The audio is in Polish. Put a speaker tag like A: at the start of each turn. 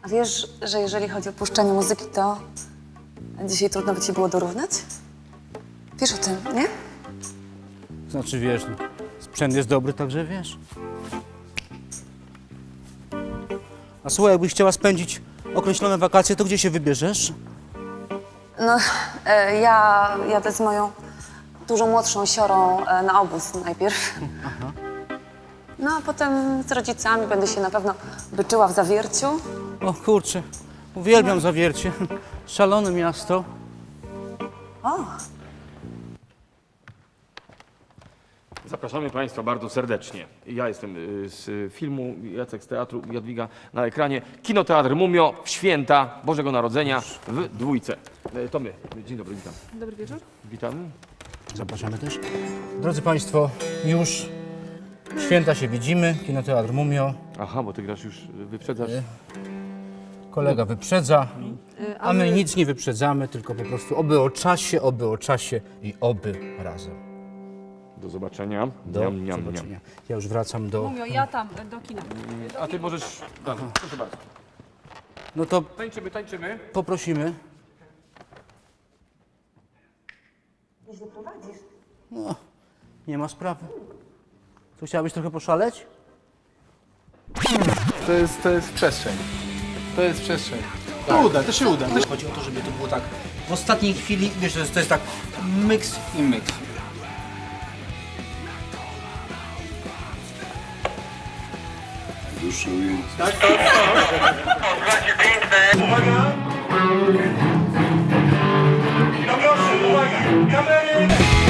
A: A wiesz, że jeżeli chodzi o puszczanie muzyki, to dzisiaj trudno by ci było dorównać? Wiesz o tym, nie?
B: Znaczy, wiesz, no, sprzęt jest dobry, także wiesz. A słuchaj, jakbyś chciała spędzić określone wakacje, to gdzie się wybierzesz?
A: No, ja jadę z moją dużo młodszą siorą na obóz najpierw. No, a potem z rodzicami będę się na pewno byczyła w Zawierciu.
B: O kurczę, uwielbiam Zawiercie. Szalone miasto.
A: O,
C: Zapraszamy Państwa bardzo serdecznie. Ja jestem z filmu, Jacek z teatru, Jadwiga na ekranie. Kinoteatr Mumio w święta Bożego Narodzenia w Dwójce. To my. Dzień dobry, witam.
D: Dobry wieczór.
C: Witamy.
B: Zapraszamy też. Drodzy Państwo, już święta się widzimy. Kinoteatr Mumio.
C: Aha, bo Ty grasz już, wyprzedzasz.
B: Kolega wyprzedza, a my nic nie wyprzedzamy, tylko po prostu oby o czasie i oby razem.
C: Do zobaczenia.
B: Do
C: Niam, niam,
B: zobaczenia.
C: niam.
B: Ja już wracam do...
D: Mumio, ja tam, do kina.
C: A Ty możesz... Proszę bardzo.
B: No to
C: Tańczymy, tańczymy.
B: poprosimy.
A: nieźle prowadzisz.
B: No, nie ma sprawy. To chciałabyś trochę poszaleć?
E: To jest przestrzeń. To jest przestrzeń. To uda, to się uda.
B: Chodzi o to, żeby to było tak w ostatniej chwili, wiesz, że to jest tak myks i myks.
F: Dłuższe ujęcie.
G: No proszę, uwaga, kamery!